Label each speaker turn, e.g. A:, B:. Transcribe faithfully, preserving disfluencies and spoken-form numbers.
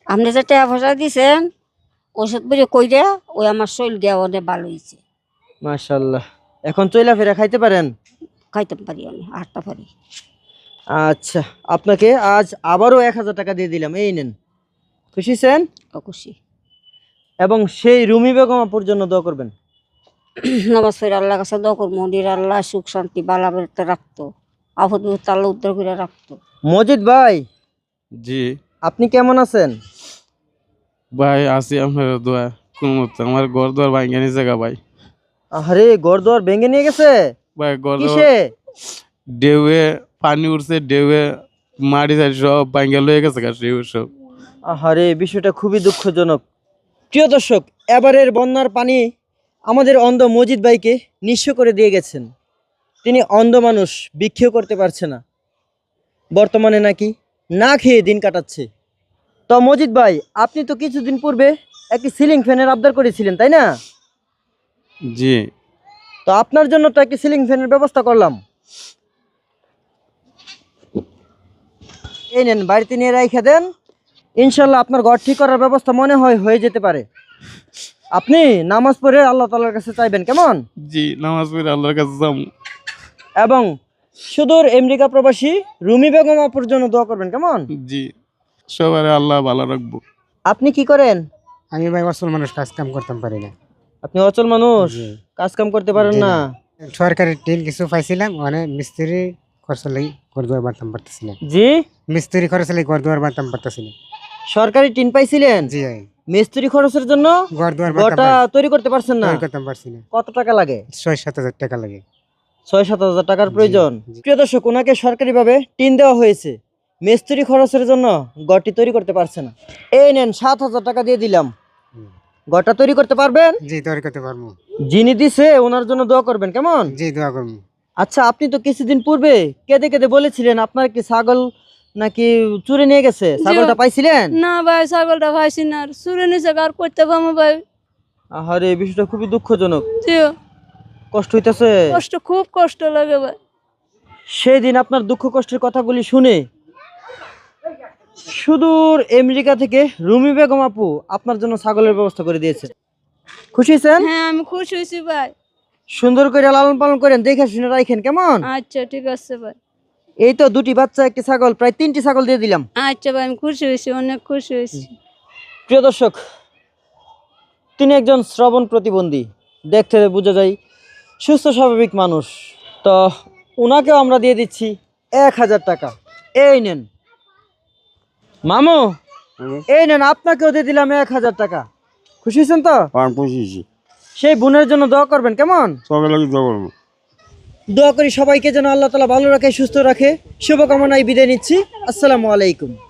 A: আপনি যে টাকা পয়সা দিয়েছেন ওষুধ বুঝে কইরা ওই আমার শরীর গিয়া অনেক ভালো হয়েছে।
B: মাশাআল্লাহ। এখন চইলা ফেরা খাইতে পারেন?
A: খাইতে পারি, আমি হাঁটতে পারি।
B: আচ্ছা, আপনাকে আজ আবারও এক হাজার টাকা দিয়ে দিলাম, এই নেন। খুশি ছেন?
A: খুশি।
B: এবং সেই রুমি বেগম আপুর জন্য দোয়া করবেন।
A: নামাজ পড়ে আল্লাহ কাছে দোয়া করবো, মন্দির আল্লাহ সুখ শান্তি বালাবাড়িতে রাখতো, আপদ বিপদ আল্লাহ উদ্ধার করে রাখতো।
B: মজিদ ভাই,
C: জি
B: আপনি কেমন আছেন?
C: ভাই, আছি আপনার দোয়া। কোন মতো আমার ঘর দুয়ার ভাঙ্গা নিয়ে জায়গা ভাই।
B: আরে ঘরদুয়ার ভেঙে নিয়ে গেছে?
C: ভাই ঘর
B: কিসে?
C: ঢেউয়ে পানি উঠছে, ঢেউয়ে মাটি সাইড সব ভাঙ্গা লয়ে গেছে গা ঢেউ সব।
B: আহারে, বিষয়টা খুবই দুঃখজনক। প্রিয় দর্শক, এবারের বন্যার পানি আমাদের অন্ধ মজিদ ভাইকে নিঃস্ব করে দিয়ে গেছেন। তিনি অন্ধ মানুষ, ভিক্ষেও করতে পারছে না, বর্তমানে নাকি না খেয়ে দিন কাটাচ্ছে। তো মজিদ ভাই, আপনি তো কিছুদিন পূর্বে একটি সিলিং ফ্যানের আবদার করেছিলেন, তাই না?
C: জি
B: তো আপনার জন্য তো একটি সিলিং ফ্যানের ব্যবস্থা করলাম। এই নেন, বাড়িতে নিয়ে রাইখা দেন। ইনশাল্লাহ আপনার ঘর ঠিক করার ব্যবস্থা মনে হয় হয়ে যেতে পারে। আপনি নামাজ পড়ে আল্লাহ তাআলার কাছে চাইবেন, কেমন?
C: জি নামাজ পড়ে আল্লাহর কাছে যাম।
B: এবং সুদূর আমেরিকা প্রবাসী রুমি বেগম আপুর জন্য দোয়া করবেন, কেমন?
C: জি, সবারে আল্লাহ ভালো রাখবো।
B: আপনি কি করেন?
D: আমি ভাই অসল মানুষ, কাজ কাম করতাম পারি না।
B: আপনি অচল মানুষ,
D: জি।
B: কাজ কাম করতে পারেন
D: জি
B: না?
D: না। সরকারি টিন কিছু পাইছিলাম, মানে মিস্ত্রি খরচ লাগি ঘর দুয়ার বাঁধতাম পারতেছি না।
B: জি,
D: মিস্ত্রি খরচ লাগি ঘর দুয়ার বাঁধতাম পারতেছি না।
B: সরকারি টিন পাইছিলেন?
D: জি ভাই,
B: মিস্ত্রি খরচের জন্য
D: ঘর দুয়ার
B: ঘরটা তৈরি করতে পারছেন না?
D: করতাম পারছি না।
B: কত টাকা লাগে?
D: ছয় সাত হাজার টাকা লাগে।
B: ছয় সাত হাজার টাকার প্রয়োজন।
D: জি।
B: প্রিয় দর্শক, ওনাকে সরকারিভাবে টিন দেওয়া হয়েছে, মিস্ত্রি খরচের জন্য ঘরটি তৈরি করতে পারছে না। এই নেন, সাত হাজার টাকা দিয়ে দিলাম,
D: হুম।
B: ঘরটা তৈরি করতে পারবেন?
D: জি তৈরি করতে পারবো।
B: যিনি দিছে ওনার জন্য দোয়া করবেন, কেমন?
D: জি দোয়া করবো।
B: আচ্ছা, আপনি তো কিছুদিন পূর্বে কেঁদে কেঁদে বলেছিলেন আপনার কি ছাগল নাকি চুরি নিয়ে গেছে, ছাগলটা পাইছিলেন?
E: না ভাই, ছাগলটা পাইছি না, আর চুরে নিছে, আর করতে পারবো ভাই।
B: আহারে, এই বিষয়টা খুবই দুঃখজনক,
E: জি,
B: কষ্ট হইতেছে।
E: কষ্ট, খুব কষ্ট লাগে ভাই।
B: সেই দিন আপনার দুঃখ কষ্টের কথাগুলি শুনে সুদূর আমেরিকা থেকে রুমি বেগম আপু আপনার জন্য ছাগলের ব্যবস্থা করে দিয়েছে। খুশি হয়েছেন?
E: হ্যাঁ আমি খুশি হয়েছি ভাই।
B: সুন্দর করে লালন পালন করেন, দেখে শুনে রাখেন, কেমন?
E: আচ্ছা ঠিক আছে ভাই।
B: এই তো দুটি বাচ্চা, একটি ছাগল, প্রায় তিনটি ছাগল দিয়ে দিলাম।
E: আচ্ছা ভাই, আমি খুশি হয়েছি, অনেক খুশি হয়েছি।
B: প্রিয় দর্শক, তিনি একজন শ্রবণ প্রতিবন্ধী, দেখতে বোঝা যায় সুস্থ স্বাভাবিক মানুষ। তো ওনাকেও আমরা দিয়ে দিচ্ছি এক হাজার টাকা। এই নেন মামু, এই নেন, আপনাকেও দিয়ে দিলাম এক হাজার টাকা। খুশি হয়েছেন তো? সেই বোনের জন্য দোয়া করবেন, কেমন? দোয়া করি সবাইকে যেন আল্লাহ তাআলা ভালো রাখে, সুস্থ রাখে। শুভকামনায় বিদায় নিচ্ছি। আসসালামু আলাইকুম।